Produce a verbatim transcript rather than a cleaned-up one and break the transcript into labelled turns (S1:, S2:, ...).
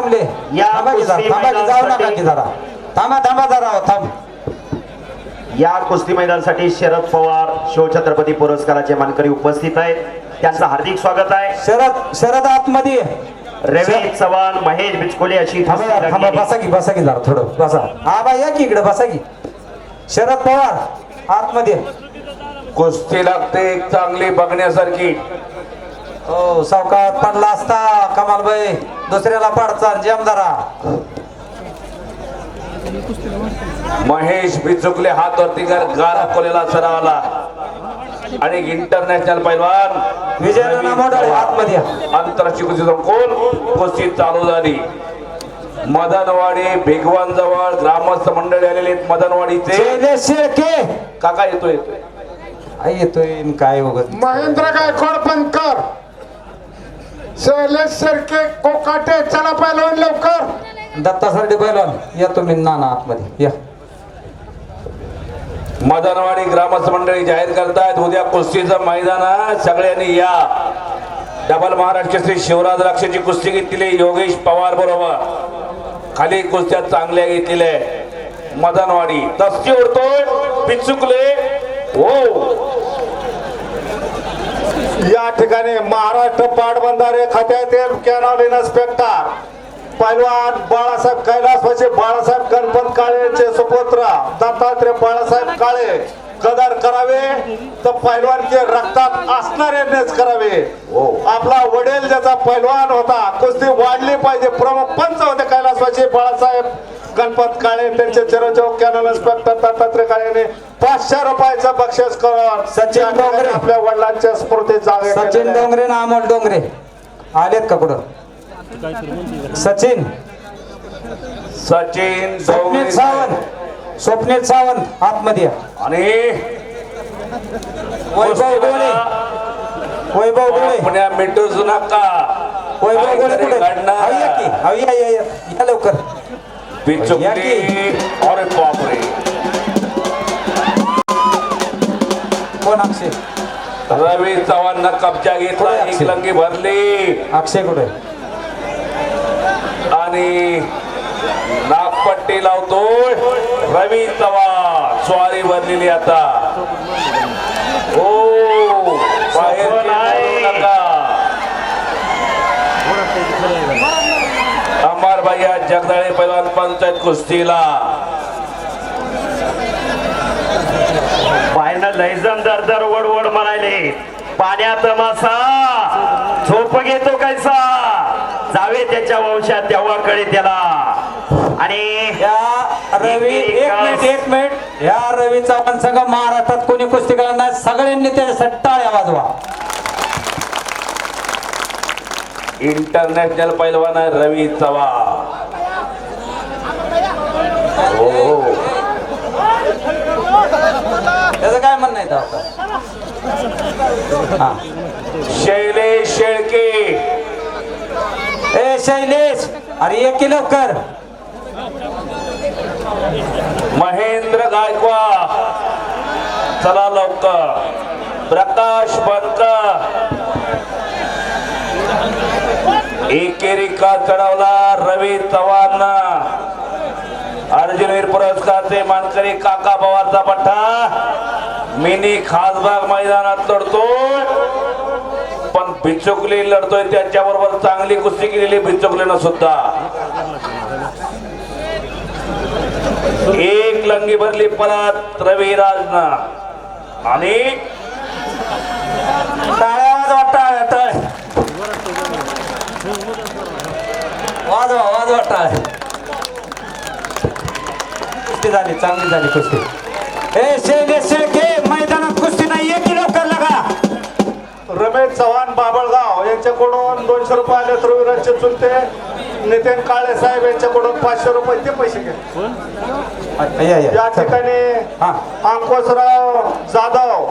S1: थांबले
S2: या
S1: थांबा की जरा,
S2: कुस्ती
S1: थांबा की जाऊ नका की जरा थांबा थांबा जरा हो, थांब.
S2: या कुस्ती मैदानासाठी शरद पवार शिवछत्रपती पुरस्काराचे मानकरी उपस्थित आहेत. त्यांचं हार्दिक स्वागत आहे.
S1: शरद शरद आतमध्ये
S2: रवी चव्हाण, महेश बिचकोले अशी
S1: थांबा
S2: कुस्ती
S1: जरा, थांबा
S2: रंगली.
S1: बसा की बसा की जरा थोडं बसा. हा बाई या की इकडे बसा की. शरद पवार आतमध्ये.
S3: कुस्ती लागते एक चांगली बघण्यासारखी.
S1: हो सावकाश पडला असता कमालबाई दुसऱ्याला पाडचा जमदारा.
S3: महेश बिचुकले हात वरती कर गारा कोलेला सरावाला आणि इंटरनॅशनल पैलवान
S1: विजय मोडळे आतमध्ये या.
S3: आंतरराष्ट्रीय कुस्ती संकुल कुस्ती चालू झाली. मदनवाडी भिगवान जवळ ग्रामस्थ मंडळी आलेले आहेत. मदनवाडीचे
S1: शैलेश शेळके
S3: काका येतोय
S1: आई येतोय न काय वगैरे.
S4: महेंद्र गायकवाड पंकर, शैलेश शेळके कोकाटे, चला पहिलवान लवकर.
S1: दत्ता सरडे पैलवान या तुम्ही नाना आतमध्ये या.
S3: मदनवाडी ग्रामस्थ मंडळी जाहीर करतायत उद्या कुस्तीचं मैदान आहे. सगळ्यांनी या. डबल महाराष्ट्र श्री शिवराज राक्षेची कुस्ती घेतलेली योगेश पवार बरोबर. खाली कुस्त्या चांगल्या घेतलेल्या. मदनवाडी दस्ती उडतोय बिचुकले. हो
S4: या ठिकाणी महाराष्ट्र पाटबंधारे खात्यातील कॅनॉल इन्स्पेक्टर पैलवान बाळासाहेब कैलासवासी बाळासाहेब गणपत काळे यांचे सुपुत्र दत्तात्रय बाळासाहेब काळे कदर करावे तर पैलवानचे रक्तात असणाऱ्यांनीच करावे. आपला वडील ज्याचा पैलवान होता कुस्ती वाढली पाहिजे. प्रमुख पंच होते कैलासवासी बाळासाहेब गणपत काळे. त्यांचे चिरंजीव कॅनल इन्स्पेक्टर दत्तात्रय काळे यांनी पाचशे रुपयाचं बक्षीस करून
S1: सचिन डोंगरे
S4: आपल्या वडिलांच्या स्मृती जागे
S1: सचिन डोंगरे ना अमोल डोंगरे आलेत का पुढं. सचिन
S3: सचिन
S1: स्वप्नील सावंत स्वप्नील सावंत आतमध्ये या.
S3: आणि
S1: वैभव गोळे वैभव गोळे
S3: पुण्या मिठूच नका.
S1: वैभव गोळे कुठे
S3: घडणार.
S1: हवी या की हवी या या या या लवकर.
S3: बिचुकली अरे बापरे.
S1: कोण अक्षय
S3: रवी चव्हाण कब्जा घेतला. एक लंगी भरली
S1: अक्षय कुठे
S3: आणि नागपट्टी लावतोय रवी चव्हाण. स्वारी भरलेली आता. हो बाहेर खेळू नका. अमर भैया जगदाळे पैलवान पंचायत कुस्तीला.
S2: बाहेरनं लयजन दर दर वड वड म्हणाले. पाण्यात मासा झोप घेतो कैसा जावे त्याच्या वंशात तेव्हा कळे त्याला. आणि
S1: या रवी एक मिनिट एक मिनिट या रवी चव्हाण संघ महाराष्ट्रात कोणी कुस्ती करणार नाही. सगळ्यांनी त्याच्यासाठी टाळ्या वाजवा.
S3: इंटरनॅशनल पैलवान आहे रवी चव्हाण. हो
S1: त्याचं काय म्हणणं आहे आता. हा
S3: शैलेश शेळके.
S1: ए शैलेश अरे एक की लवकर.
S3: महेंद्र गायकवाड चला लवकर. प्रकाश बनकर एकेरी का चढवला रवी चव्हाण. अर्जुनवीर पुरस्कारचे मानकरी काका पवारचा पट्टा मिनी खासबाग मैदानात लढतोय. पण बिचुकली लढतोय त्याच्याबरोबर चांगली कुस्ती केलेली बिचुकलीनं सुद्धा. एक लंगी भरली परत रविराजनं आणि
S1: टाळ्या वाजवा टाळ्या टाळ्या वाजवा वाजवा टाळ्या. कुस्ती झाली चांगली झाली कुस्ती. ए शैलेश शेळके मैदानात कुस्ती नाही एक की लवकर लागा.
S4: रमेश चव्हाण बाबळगाव यांच्याकडून दोनशे रुपये आले. रविराजचे चुलते नितीन काळे साहेब यांच्याकडून पाचशे रुपये ते पैसे घे.
S1: या, या.
S4: या ठिकाणी
S1: हा
S4: अंकुशराव जाधव